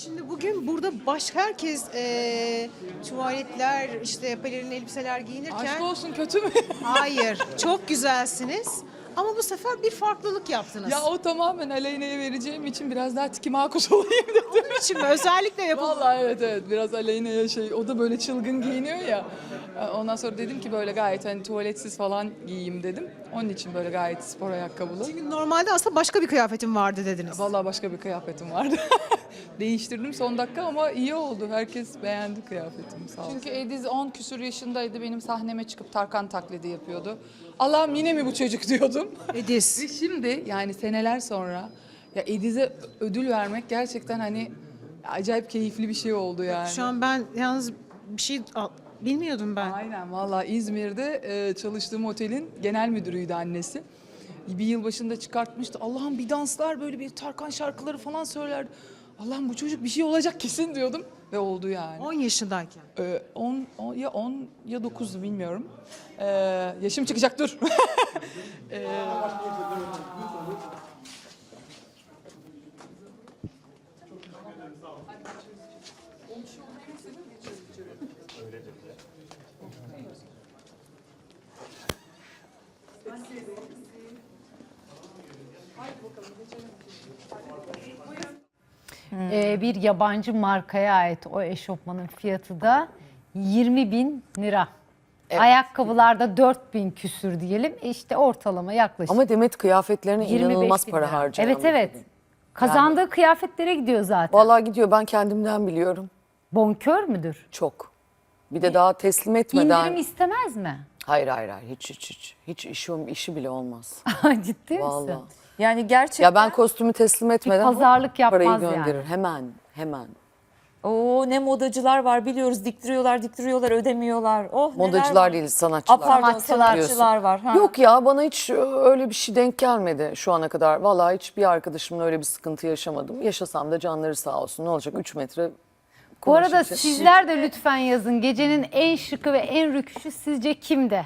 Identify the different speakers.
Speaker 1: Şimdi bugün burada herkes tuvaletler, işte pelerin elbiseler giyinirken...
Speaker 2: Aşk olsun, kötü mü?
Speaker 1: Hayır, çok güzelsiniz. Ama bu sefer bir farklılık yaptınız.
Speaker 2: Ya o tamamen Aleyna'ya vereceğim için biraz daha tiki makus olayım dedim.
Speaker 1: Onun için mi? Özellikle yapıldı.
Speaker 2: Vallahi evet biraz Aleyna'ya o da böyle çılgın giyiniyor ya. Ondan sonra dedim ki böyle gayet hani tuvaletsiz falan giyeyim dedim. Onun için böyle gayet spor ayakkabılı.
Speaker 1: Çünkü normalde aslında başka bir kıyafetim vardı dediniz.
Speaker 2: Vallahi başka bir kıyafetim vardı. Değiştirdim son dakika ama iyi oldu. Herkes beğendi kıyafetimi, sağ olsun. Çünkü Ediz 10 küsur yaşındaydı. Benim sahneme çıkıp Tarkan taklidi yapıyordu. Allah'ım yine mi bu çocuk diyordum.
Speaker 1: Ediz.
Speaker 2: Ve şimdi yani seneler sonra ya Ediz'e ödül vermek gerçekten hani acayip keyifli bir şey oldu yani.
Speaker 1: Şu an ben yalnız bir şey bilmiyordum ben.
Speaker 2: Aynen vallahi İzmir'de çalıştığım otelin genel müdürüydü annesi. Bir yıl başında çıkartmıştı. Allah'ım bir danslar böyle bir Tarkan şarkıları falan söylerdi. Allah'ım bu çocuk bir şey olacak kesin diyordum ve oldu yani.
Speaker 1: 10 yaşındayken.
Speaker 2: 10 ya 9 bilmiyorum. Yaşım çıkacak dur.
Speaker 3: Bir yabancı markaya ait o eşofmanın fiyatı da 20.000 lira.
Speaker 4: Evet.
Speaker 3: Ayakkabılarda 4.000 küsür diyelim. İşte ortalama yaklaşık
Speaker 4: Ama Demet kıyafetlerine
Speaker 3: 25
Speaker 4: inanılmaz
Speaker 3: bin
Speaker 4: para
Speaker 3: lira.
Speaker 4: harcayan
Speaker 3: Evet
Speaker 4: bir
Speaker 3: evet.
Speaker 4: kadın.
Speaker 3: Kazandığı kıyafetlere gidiyor zaten.
Speaker 4: Vallahi gidiyor, ben kendimden biliyorum.
Speaker 3: Bonkör müdür?
Speaker 4: Çok. Bir de daha teslim etmeden.
Speaker 3: İndirim istemez mi?
Speaker 4: Hayır hiç işi bile olmaz.
Speaker 3: Ciddi misin?
Speaker 4: Vallahi.
Speaker 5: Yani gerçekten
Speaker 4: Ya ben kostümü teslim etmeden
Speaker 3: pazarlık yapmaz
Speaker 4: parayı
Speaker 3: yani.
Speaker 4: gönderir hemen.
Speaker 5: ne modacılar var biliyoruz, diktiriyorlar ödemiyorlar. Oh neler
Speaker 4: Modacılar
Speaker 5: var.
Speaker 4: değil, sanatçılar.
Speaker 5: Pardon,
Speaker 3: Sanatçılar.
Speaker 5: sanatçılar var. Ha.
Speaker 4: Yok ya, bana hiç öyle bir şey denk gelmedi şu ana kadar. Vallahi hiçbir arkadaşımla öyle bir sıkıntı yaşamadım. Yaşasam da canları sağ olsun. Ne olacak 3 metre
Speaker 3: Bu arada
Speaker 4: kumaş için.
Speaker 3: sizler de lütfen yazın. Gecenin en şıkı ve en rüküşü sizce kimde?